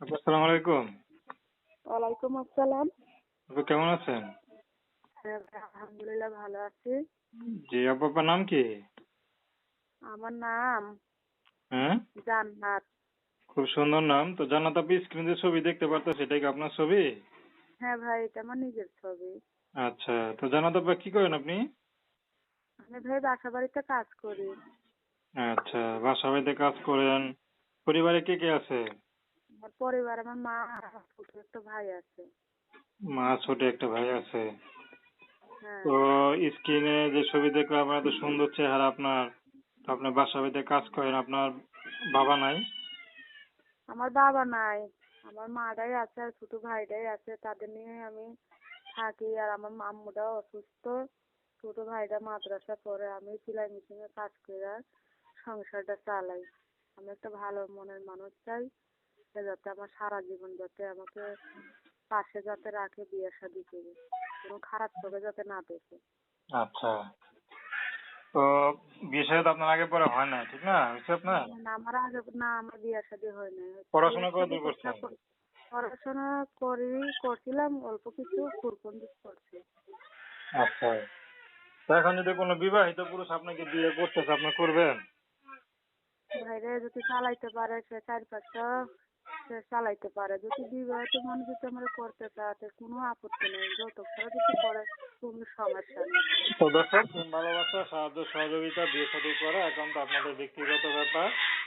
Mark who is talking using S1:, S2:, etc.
S1: আসসালামু আলাইকুম।
S2: ওয়ালাইকুম আসসালাম।
S1: আপু কেমন আছেন?
S2: হ্যাঁ ভাই, আলহামদুলিল্লাহ ভালো আছি।
S1: জি আপু, আপনার নাম কি?
S2: আমার নাম
S1: হ্যাঁ,
S2: জান্নাত।
S1: খুব সুন্দর নাম। তো জান্নাত আপু, স্ক্রিনে যে ছবি দেখতে পারতেছি এটা কি আপনার ছবি?
S2: হ্যাঁ ভাই, এটা আমার নিজের ছবি।
S1: আচ্ছা, তো জান্নাত আপু কি করেন আপনি?
S2: আমি ভাই বাসা বাড়িতে কাজ করি।
S1: আচ্ছা, বাসা বাড়িতে কাজ করেন। পরিবারে কে কে আছে?
S2: আমার পরিবার, আমার মা আর আমার ছোট একটা ভাই আছে।
S1: মা, ছোট একটা ভাই আছে।
S2: হ্যাঁ।
S1: তো স্ক্রিনে যে ছবি দেখলাম, এত সুন্দর চেহারা আপনার। তো আপনি বাসা বাড়িতে কাজ করেন, আপনার বাবা নাই?
S2: আমার বাবা নাই, আমার মাটাই আছে আর ছোট ভাইটাই আছে, তাদের নিয়ে আমি থাকি। আর আমার আম্মুটাও অসুস্থ, ছোট ভাইটা মাদ্রাসা পড়ে, আমি সেলাই মেশিনে কাজ করে সংসারটা চালাই। আমি একটা ভালো মনের মানুষ চাই, সে যাতে আমার সারা জীবন যাতে আমাকে পাশে যাতে রাখে, বিয়ে শাদী করে কোনো খারাপ চোখে যাতে না দেখে।
S1: আচ্ছা, তো বিয়ে শাদী তো আপনার আগে পরে হয় না, ঠিক না? হয়েছে আপনার?
S2: না আমার আগে, না আমার বিয়ে শাদী হয় নাই, বিয়ে
S1: পড়াশোনা কত
S2: শাদী
S1: দূর
S2: করতে
S1: করছেন?
S2: পড়াশোনা করছিলাম, অল্প কিছু পুরকন্দিস করছি।
S1: আচ্ছা, তো এখন যদি কোনো বিবাহিত পুরুষ আপনাকে বিয়ে করতেছে, আপনি করবেন?
S2: ভাইরে যদি চালাইতে পারে, সে চার পাঁচটা সে চালাইতে পারে, যদি বিবাহিত মানুষ যদি আমরা করতে চায় কোনো আপত্তি নেই, যৌতুক ছাড়া যদি করে কোনো সমস্যা নেই।
S1: তো দর্শক, ভালোবাসা, সাহায্য সহযোগিতা, বিয়ে শাদী করা একান্ত আপনাদের ব্যক্তিগত ব্যাপার।